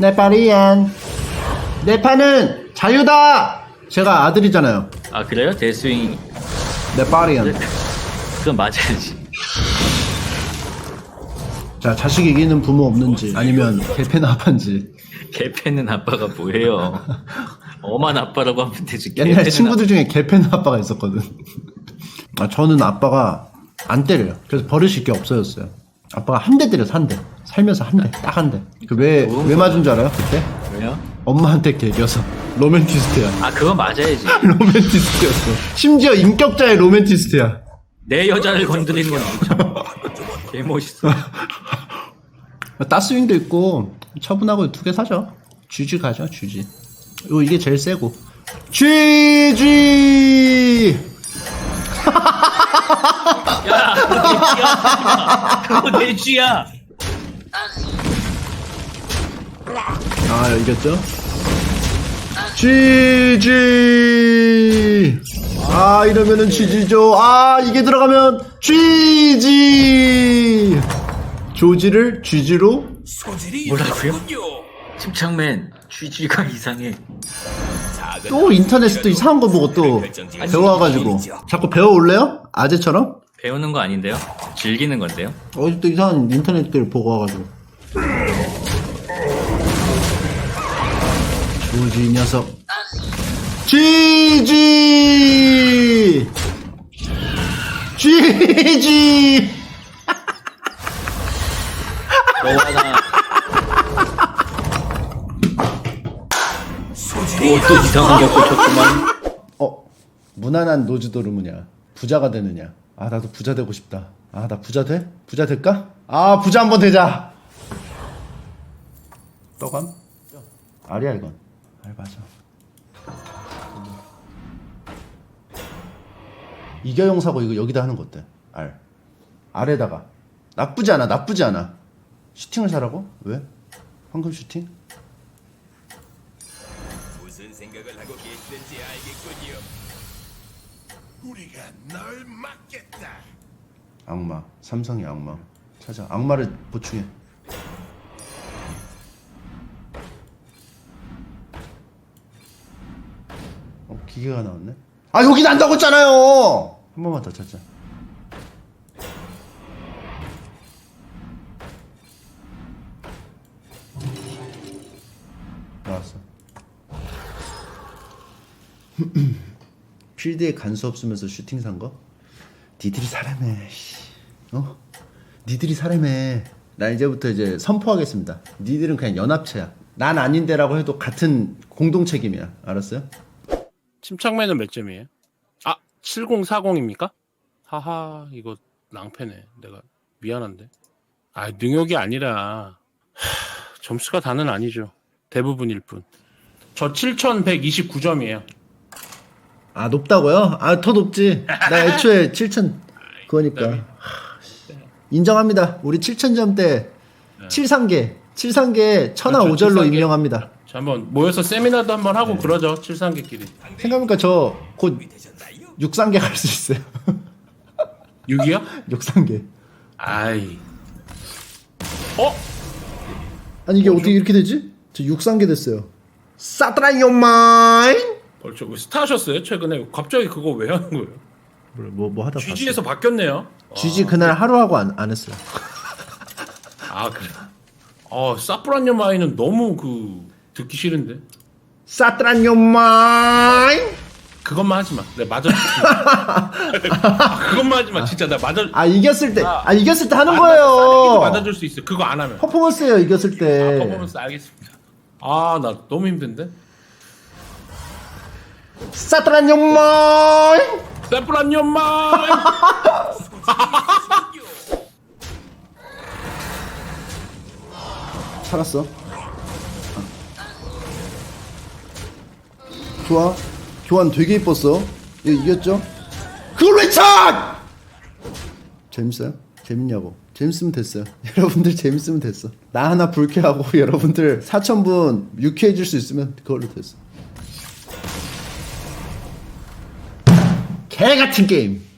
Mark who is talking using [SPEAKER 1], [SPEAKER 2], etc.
[SPEAKER 1] 네파리안. 내 판은 자유다. 제가 아들이잖아요.
[SPEAKER 2] 아 그래요? 데스윙
[SPEAKER 1] 네파리안.
[SPEAKER 2] 그건 맞아야지.
[SPEAKER 1] 자, 자식 이기는 부모 없는지 아니면 개패는 아빠인지.
[SPEAKER 2] 개패는 아빠가 뭐예요? 엄한 아빠라고 하면 되지.
[SPEAKER 1] 옛날
[SPEAKER 2] 개패는
[SPEAKER 1] 친구들 중에 개패는 아빠가 있었거든. 아, 저는 아빠가 안 때려요. 그래서 버릇이 게 없어졌어요. 아빠가 한 대 때렸어, 한 대. 살면서 한 대, 딱 한 대. 그 왜 맞은 줄 알아요, 그때?
[SPEAKER 2] 왜요?
[SPEAKER 1] 엄마한테 개겨서. 로맨티스트야.
[SPEAKER 2] 아 그건 맞아야지.
[SPEAKER 1] 로맨티스트였어. 심지어 인격자의 로맨티스트야.
[SPEAKER 2] 내 여자를 건드리는 건 엄청 개 멋있어.
[SPEAKER 1] 따스윙도 있고 처분하고 두 개 사죠. GG 가죠, GG. 이게 제일 세고. GG.
[SPEAKER 2] 야 그거 내 쥐야.
[SPEAKER 1] 아, 이겼죠? GG. 아, 이러면은 GG죠. 아, 이게 들어가면 GG. 조지를 GG로.
[SPEAKER 2] 뭐라고요? 침착맨 쥐쥐가 이상해.
[SPEAKER 1] 또 인터넷에 또 이상한 거 보고 또 배워와가지고 자꾸 배워올래요? 아재처럼?
[SPEAKER 2] 배우는 거 아닌데요? 즐기는 건데요?
[SPEAKER 1] 어디 또 이상한 인터넷들 보고 와가지고. 조지 이 녀석. GG. GG.
[SPEAKER 2] 너와 나. 또 이상한 게 꽂혔구만.
[SPEAKER 1] 무난한 노즈도르무냐 부자가 되느냐. 아, 나도 부자 되고 싶다. 아, 나 부자 돼? 부자 될까? 아, 부자 한번 되자. 떠감? 알이야 이건. 알 맞아. 이겨용 사고 이거 여기다 하는 거 어때? 알. 알에다가. 나쁘지 않아, 나쁘지 않아. 슈팅을 사라고? 왜? 황금 슈팅?
[SPEAKER 3] 무슨 생각을 하고 계시는지 알겠군요. 우리가 널 막겠다.
[SPEAKER 1] 악마. 삼성의 악마. 찾아. 악마를 보충해. 기계가 나왔네. 아, 여기 난다고 했잖아요. 한 번만 더 찾자. 나왔어. 필드에 간수 없으면서 슈팅 산 거? 니들이 사람해. 어? 니들이 사람해. 나 이제부터 이제 선포하겠습니다. 니들은 그냥 연합체야. 난 아닌데라고 해도 같은 공동 책임이야. 알았어요?
[SPEAKER 4] 침착맨은 몇 점이에요? 아, 7040입니까? 하하, 이거 낭패네. 내가 미안한데. 아, 능욕이 아니라 점수가 다는 아니죠. 대부분일 뿐. 저 7129점이에요.
[SPEAKER 1] 아, 높다고요? 아, 더 높지. 나 애초에 7,000 그거니까. 인정합니다. 우리 7,000점대 7상계 7상계 1,005절로 임명합니다.
[SPEAKER 4] 자, 한번 모여서 세미나도 한번 하고 그러죠. 73개끼리.
[SPEAKER 1] 생각해보니까 저 곧 6상계 갈 수 있어요.
[SPEAKER 4] 6이요?
[SPEAKER 1] 6상계.
[SPEAKER 4] 아이.
[SPEAKER 1] 아니, 이게 어떻게 이렇게 되지? 저 6상계 됐어요. 사드라 요마인.
[SPEAKER 4] 벌써 스타 하셨어요? 최근에 갑자기 그거 왜 하는 거예요?
[SPEAKER 1] 뭐 하다
[SPEAKER 4] GG에서 바뀌었네요.
[SPEAKER 1] GG 그날 하루 하고 안 했어요.
[SPEAKER 4] 아, 그래. 사프란요 마이는 너무 듣기 싫은데.
[SPEAKER 1] 사드라 요마인.
[SPEAKER 4] 그것만 하지 마. 내가 맞아. 그것만 하지 마. 진짜 나 맞아.
[SPEAKER 1] 아, 이겼을 때. 이겼을 때 하는
[SPEAKER 4] 싸대기도
[SPEAKER 1] 거예요.
[SPEAKER 4] 맞아줄 수 있어. 그거 안 하면.
[SPEAKER 1] 퍼포먼스예요, 이겼을 때.
[SPEAKER 4] 퍼포먼스 알겠습니다. 아, 나 너무 힘든데.
[SPEAKER 1] 사드라 요마인.
[SPEAKER 4] 사프란요 마이.
[SPEAKER 1] 살았어. 좋아. 교환 되게 이뻤어. 이겼죠? 그레찬! 재밌어요? 재밌냐고. 재밌으면 됐어요. 여러분들 재밌으면 됐어. 나 하나 불쾌하고 여러분들 4,000분 유쾌해질 수 있으면 그걸로 됐어. 개 같은 게임.